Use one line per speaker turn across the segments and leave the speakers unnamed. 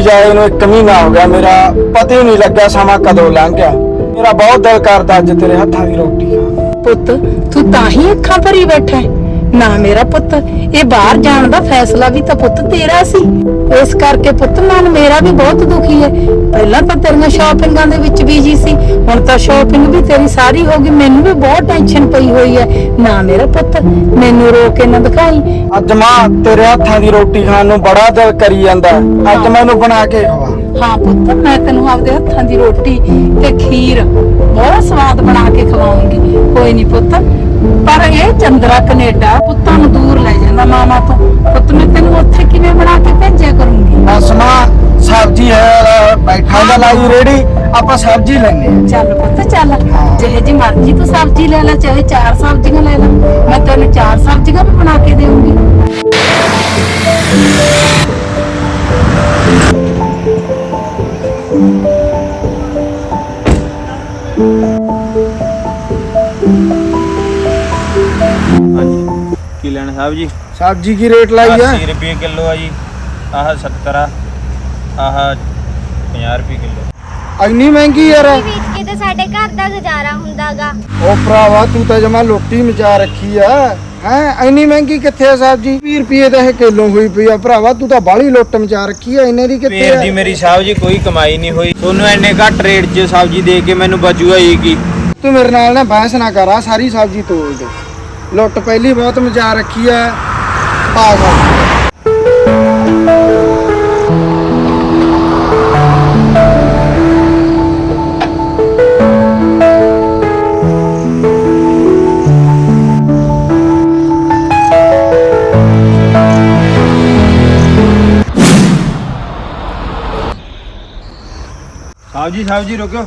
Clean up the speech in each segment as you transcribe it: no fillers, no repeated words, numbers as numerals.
ਦਿੱਲੀ ਜਾਏ ਨੂੰ 1 ਮਹੀਨਾ ਹੋ ਗਿਆ, ਮੇਰਾ ਪਤਾ ਹੀ ਨਹੀਂ ਲੱਗਿਆ ਸਮਾਂ ਕਦੋਂ ਲੰਘ ਗਿਆ। ਮੇਰਾ ਬਹੁਤ ਦਿਲ ਕਰਦਾ ਅੱਜ ਤੇਰੇ ਹੱਥਾਂ ਦੀ ਰੋਟੀ ਖਾਣ।
ਪੁੱਤ ਤੂੰ ਤਾਂ ਹੀ ਅੱਖਾਂ ਭਰੀ ਬੈਠਾ ਹੈ। ਨਾ ਮੇਰਾ ਪੁੱਤ, ਇਹ ਬਾਹਰ ਜਾਣ ਦਾ ਫੈਸਲਾ ਵੀ ਤਾਂ ਪੁੱਤ ਤੇਰਾ ਸੀ। ਇਸ ਕਰਕੇ ਪੁੱਤ ਮਨ ਮੇਰਾ ਵੀ ਬਹੁਤ ਦੁਖੀ ਹੈ। ਪਹਿਲਾਂ ਤਾਂ ਤੇਰੀਆਂ ਸ਼ਾਪਿੰਗਾਂ ਦੇ ਵਿੱਚ ਬੀਜੀ ਸੀ, ਹੁਣ ਤਾਂ ਸ਼ਾਪਿੰਗ ਵੀ ਤੇਰੀ ਸਾਰੀ ਹੋ ਗਈ। ਮੈਨੂੰ ਵੀ ਬਹੁਤ ਟੈਨਸ਼ਨ ਪਈ ਹੋਈ ਹੈ। ਨਾ ਮੇਰਾ ਪੁੱਤ, ਮੈਨੂੰ ਰੋ ਕੇ ਨਾ ਦਿਖਾਈ।
ਅੱਜ ਮਾਂ ਤੇਰੇ ਹੱਥਾਂ ਦੀ ਰੋਟੀ ਖਾਣ ਨੂੰ ਬੜਾ ਦਿਲ ਕਰੀ ਜਾਂਦਾ। ਅੱਜ ਮੈਨੂੰ ਬਣਾ ਕੇ ਖਵਾ।
ਹਾਂ ਪੁੱਤ, ਮੈਂ ਤੈਨੂੰ ਆਪਦੇ ਹੱਥਾਂ ਦੀ ਰੋਟੀ ਤੇ ਖੀਰ ਬਹੁਤ ਸਵਾਦ ਬਣਾ ਕੇ ਖਵਾਉਂਗੀ। ਕੋਈ ਨਹੀਂ ਪੁੱਤ, ਪਰ ਇਹ ਚੰਦਰਾ ਕੈਨੇਡਾ ਪੁੱਤਾਂ ਨੂੰ ਦੂਰ ਲੈ ਜਾਂਦਾ ਮਾਮਾ ਤੋਂ। ਪੁੱਤ ਮੈਂ ਤੈਨੂੰ ਉੱਥੇ ਕਿਵੇਂ ਬਣਾ ਕੇ ਭੇਜਿਆ ਕਰੂੰਗੀ।
ਬਸ ਮਾਂ ਸਬਜ਼ੀ ਹੈ, ਬੈਠਾ ਦਾ ਲਾਈ ਰੇੜੀ, ਆਪਾਂ ਸਬਜ਼ੀ ਲੈਣੇ ਆ।
ਚੱਲ ਪੁੱਤ ਚੱਲ, ਜਿਹੇ ਜੀ ਮਰਜ਼ੀ ਤੂੰ ਸਬਜ਼ੀ ਲੈ ਲੈ, ਚਾਹੇ 4 ਸਬਜ਼ੀਆਂ ਲੈ ਲੈ, ਮੈਂ ਤੈਨੂੰ 4 ਸਬਜ਼ੀਆਂ ਵੀ ਬਣਾ ਕੇ ਦੇਵਾਂਗੀ।
ਹਾਂਜੀ ਕੀ ਲੈਣਾ ਸਾਹਿਬ ਜੀ?
ਸਬਜ਼ੀ ਕੀ ਰੇਟ ਲਾਈ ਆ?
80 ਰੁਪਏ ਕਿਲੋ ਆ ਜੀ। ਆਹ 70 ਆ, ਆਹ 50 ਰੁਪਏ ਕਿਲੋ।
ਇੰਨੀ ਮਹਿੰਗੀ ਯਾਰ।
ਵੇਚ ਕੇ ਤਾਂ ਸਾਡੇ ਘਰ ਦਾ ਗੁਜ਼ਾਰਾ ਹੁੰਦਾਗਾ।
ਉਹ ਭਰਾਵਾ ਤੂੰ ਤਾਂ ਜਮਾ ਲੋਟੀ ਮਚਾ ਰੱਖੀ ਆ। ਹੈ ਇੰਨੀ ਮਹਿੰਗੀ ਕਿੱਥੇ ਆ ਸਬਜ਼ੀ? 20 ਰੁਪਏ ਤਾਂ ਇਹ ਕਿਲੋ ਹੋਈ ਪਈ ਆ ਭਰਾਵਾ। ਤੂੰ ਤਾਂ ਬਾਹਲੀ ਲੁੱਟ ਮਚਾ ਰੱਖੀ ਆ। ਇੰਨੇ ਦੀ ਕਿੱਥੇ
ਫੇਰ
ਆ?
ਦੀ ਮੇਰੀ ਸਾਹਿਬ ਜੀ ਕੋਈ ਕਮਾਈ ਨਹੀਂ ਹੋਈ। ਤੁਹਾਨੂੰ ਇੰਨੇ ਘੱਟ ਰੇਟ 'ਚ ਸਬਜ਼ੀ ਦੇ ਕੇ ਮੈਨੂੰ ਬਚੂਗਾ ਹੀ ਕੀ?
ਤੂੰ ਮੇਰੇ ਨਾਲ ਨਾ ਬਹਿਸ ਨਾ ਕਰ, ਆ ਸਾਰੀ ਸਬਜ਼ੀ ਤੋਲ ਦੇ। ਲੁੱਟ ਪਹਿਲੀ ਬਹੁਤ ਮਚਾ ਰੱਖੀ ਆ। ਪਾ ਸਬਜ਼ੀ।
ਸਾਹਿਬ ਜੀ ਰੁਕਿਓ।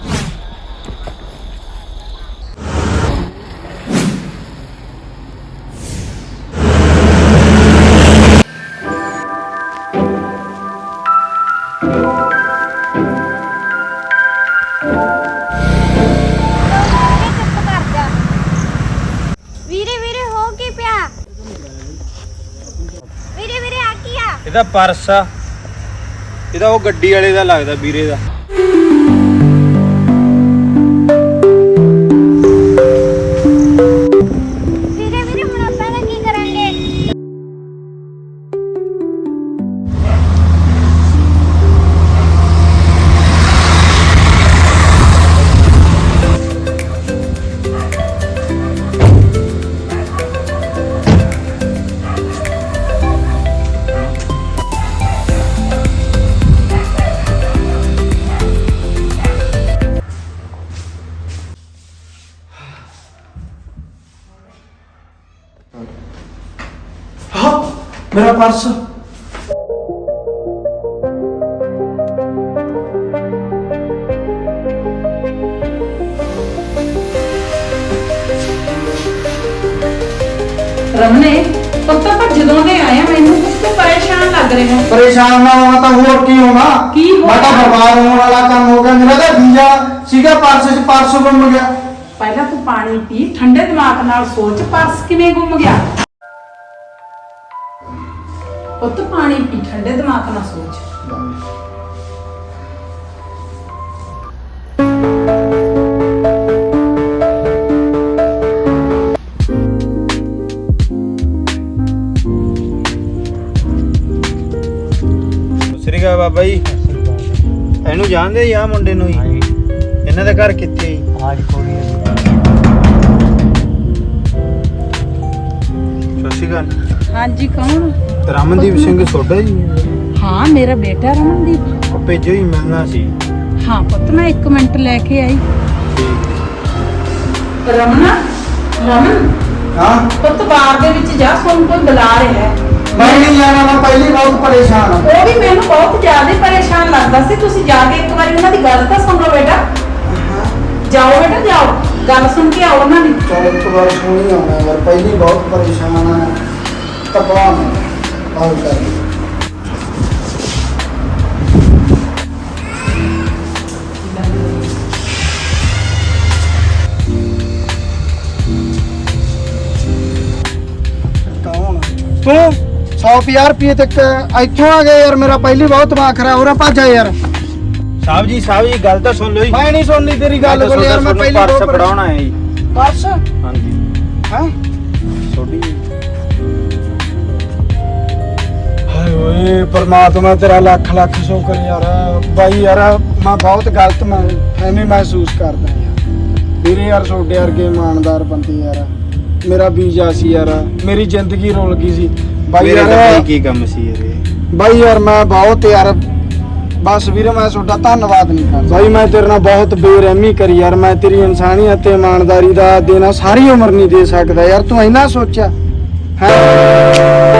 ਵੀਰੇ ਹੋ ਕੀ ਪਿਆ? ਵੀਰੇ ਆ ਕੀ ਆ?
ਇਹਦਾ ਪਰਸ ਆ, ਇਹਦਾ ਉਹ ਗੱਡੀ ਵਾਲੇ ਦਾ ਲੱਗਦਾ, ਵੀਰੇ ਦਾ।
ਵੀਰੇ ਹੁਣ ਆਪਾਂ ਦਾ ਕੀ ਕਰਾਂਗੇ?
ਹਾਂ ਮੇਰਾ ਪਰਸ।
ਰਮਨੇ ਪੁੱਤ, ਆਪਾਂ ਜਦੋਂ ਦੇ ਆਏ ਆ ਮੈਨੂੰ ਕੁਝ ਤੋਂ ਪਰੇਸ਼ਾਨ ਲੱਗ ਰਿਹਾ।
ਪਰੇਸ਼ਾਨ ਨਾ ਹੋਣਾ ਤਾਂ ਹੋਰ ਕੀ ਹੋਣਾ?
ਕੀ ਹੋਣਾ?
ਮੈਂ ਤਾਂ ਬਰਬਾਦ ਹੋਣ ਵਾਲਾ ਕੰਮ ਹੋ ਗਿਆ। ਮੇਰਾ ਤਾਂ ਵੀਜ਼ਾ ਸੀਗਾ ਪਰਸ 'ਚ, ਪਰਸ ਗੁੰਮ ਗਿਆ।
ਪਹਿਲਾਂ ਤੂੰ ਪਾਣੀ ਪੀ, ਠੰਡੇ ਦਿਮਾਗ ਨਾਲ ਸੋਚ, ਪਰਸ ਕਿਵੇਂ ਗੁੰਮ ਗਿਆ। ਪੁੱਤ ਪਾਣੀ ਪੀ, ਠੰਡੇ ਦਿਮਾਗ ਨਾਲ ਸੋਚ।
ਸ੍ਰੀ ਅਕਾਲ ਬਾਬਾ ਜੀ। ਇਹਨੂੰ ਜਾਣਦੇ ਜੀ? ਆ ਮੁੰਡੇ ਨੂੰ ਜੀ? ਇਹਨਾਂ ਦਾ ਘਰ ਕਿੱਥੇ ਜੀ? ਸਤਿ ਸ਼੍ਰੀ ਅਕਾਲ।
ਹਾਂਜੀ, ਕੌਣ?
ਰਮਨਦੀਪ ਸਿੰਘ ਸੋਢਾ ਜੀ?
ਹਾਂ, ਮੇਰਾ ਬੇਟਾ ਰਮਨਦੀਪ।
ਉਹ ਭੇਜੋ ਹੀ ਮਿਲਣਾ ਸੀ।
ਹਾਂ ਪੁੱਤ, ਮੈਂ 1 ਮਿੰਟ ਲੈ ਕੇ ਆਈ।
ਠੀਕ।
ਰਮਨ
ਹਾਂ
ਪੁੱਤ, ਬਾਹਰ ਦੇ ਵਿੱਚ ਜਾ, ਤੁਹਾਨੂੰ ਕੋਈ ਬੁਲਾ ਰਿਹਾ ਹੈ।
ਮੈਂ ਨਹੀਂ ਜਾਣਾ, ਮੈਂ ਪਹਿਲੀ ਬਹੁਤ ਪਰੇਸ਼ਾਨ ਹਾਂ।
ਉਹ ਵੀ ਮੈਨੂੰ ਬਹੁਤ ਜ਼ਿਆਦਾ ਪਰੇਸ਼ਾਨ ਲੱਗਦਾ ਸੀ। ਤੁਸੀਂ ਜਾ ਕੇ ਇੱਕ ਵਾਰੀ ਉਹਨਾਂ ਦੀ ਗੱਲ ਤਾਂ ਸੁਣ ਲਓ ਬੇਟਾ। ਜਾਓ ਬੇਟਾ ਜਾਓ, ਗੱਲ ਸੁਣ ਕੇ ਆਓ ਉਹਨਾਂ ਦੀ।
ਚਲ ਇੱਕ ਵਾਰ ਸੁਣੀ ਆਉਣਾ ਯਾਰ, ਪਹਿਲੀ ਬਹੁਤ ਪਰੇਸ਼ਾਨ ਆ। ਤਪਾ ਮੈਂ ਆਉਂ ਕਰ। ਕੌਣ ਤੂੰ? 150 ਰੁਪਏ ਤੱਕ ਇੱਥੋਂ ਆ ਗਏ ਯਾਰ। ਮੇਰਾ ਪਹਿਲੀ ਬਹੁਤ ਦਿਮਾਗ ਖਰਾਬ ਹੋ ਰਿਹਾ। ਭੱਜ ਜਾ ਯਾਰ।
ਸਾਹਿਬ ਜੀ ਗੱਲ ਤਾਂ ਸੁਣ ਲਓ ਜੀ।
ਮੈਂ ਨਹੀਂ ਸੁਣਨੀ ਤੇਰੀ ਗੱਲ ਕੋਲ ਯਾਰ। ਮੈਂ ਪਹਿਲੀ
ਪਰਸ ਫੜਾਉਣਾ ਹੈ ਜੀ।
ਪਰਸ
ਹਾਂਜੀ
ਹੈ
ਛੋਟੀ।
ਹਾਏ ਓਏ ਪਰਮਾਤਮਾ ਤੇਰਾ ਲੱਖ ਲੱਖ ਸ਼ੁਕਰ ਯਾਰ। ਬਾਈ ਯਾਰ ਮੈਂ ਬਹੁਤ ਗਲਤ ਮੈਂ ਐਵੇਂ ਮਹਿਸੂਸ ਕਰਦਾ ਯਾਰ। ਵੀਰੇ ਯਾਰ ਛੋਟੇ ਵਰਗੇ ਇਮਾਨਦਾਰ ਬੰਦੇ ਯਾਰ। ਮੇਰਾ ਵੀਜ਼ਾ ਸੀ ਯਾਰ। ਮੇਰੀ ਜ਼ਿੰਦਗੀ ਰੁਲ ਗਈ ਸੀ ਬਾਈ
ਮੇਰੇ ਤਾਂ
ਯਾਰ।
ਭਾਈ ਕੀ ਕੰਮ ਸੀ ਇਹਦੇ।
ਬਾਈ ਯਾਰ ਮੈਂ ਬਹੁਤ ਯਾਰ ਬਸ ਵੀਰੇ ਮੈਂ ਤੁਹਾਡਾ ਧੰਨਵਾਦ ਨਹੀਂ ਕਰਦਾ ਬਾਈ। ਮੈਂ ਤੇਰੇ ਨਾਲ ਬਹੁਤ ਬੇਰਹਿਮੀ ਕਰੀ ਯਾਰ। ਮੈਂ ਤੇਰੀ ਇਨਸਾਨੀਅਤ ਤੇ ਇਮਾਨਦਾਰੀ ਦਾ ਦੇਣਾ ਸਾਰੀ ਉਮਰ ਨਹੀਂ ਦੇ ਸਕਦਾ ਯਾਰ। ਤੂੰ ਇੰਨਾ ਸੋਚਿਆ ਹੈ।